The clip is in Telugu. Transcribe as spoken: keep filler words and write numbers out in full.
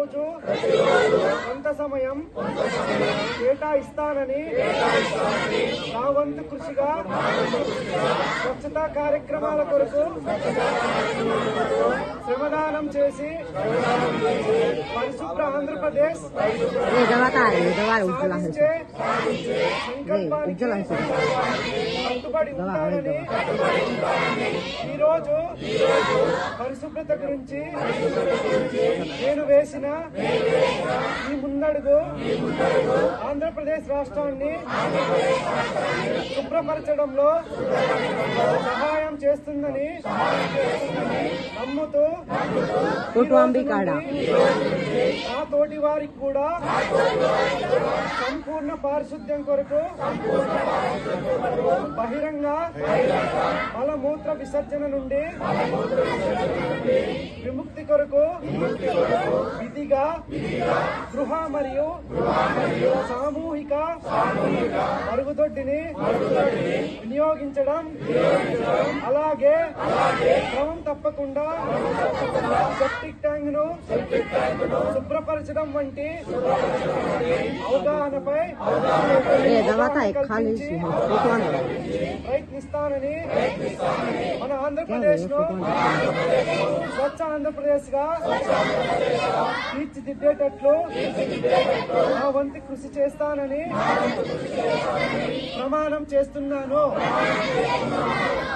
ప్రతిరోజు కొంత సమయం కేటాయిస్తానని నా వంతు కృషిగా స్వచ్ఛతా కార్యక్రమాల కొరకు శ్రమదానం చేసి పరిశుభ్ర ఆంధ్రప్రదేశ్ సాధించే సంకల్పానికి కట్టుబడి ఉంటానని ఈరోజు పరిశుభ్రత గురించి నేను వేసిన ఈ ముందడుగు ఆంధ్రప్రదేశ్ రాష్ట్రాన్ని శుభ్రపరచడంలో సహాయం చేస్తుందని నమ్ముతూ నా తోటి వారికి కూడా సంపూర్ణ పారిశుద్ధ్యం కొరకు బహిరంగ మలమూత్ర విసర్జన నుండి విముక్తి కొరకు విధిగా గృహ మరియు సామూహిక మరుగుదొడ్డిని వినియోగించడం అలాగే క్రమం తప్పకుండా సెప్టిక్ ట్యాంక్ ను శుభ్రపరచడం వంటి అవగాహనపై ప్రయత్నిస్తానని మన ఆంధ్రప్రదేశ్ ను స్వచ్ఛ ఆంధ్రప్రదేశ్ గా తీర్చిదిద్దేటట్లు నా వంతు కృషి చేస్తానని ప్రమాణం చేస్తున్నాను.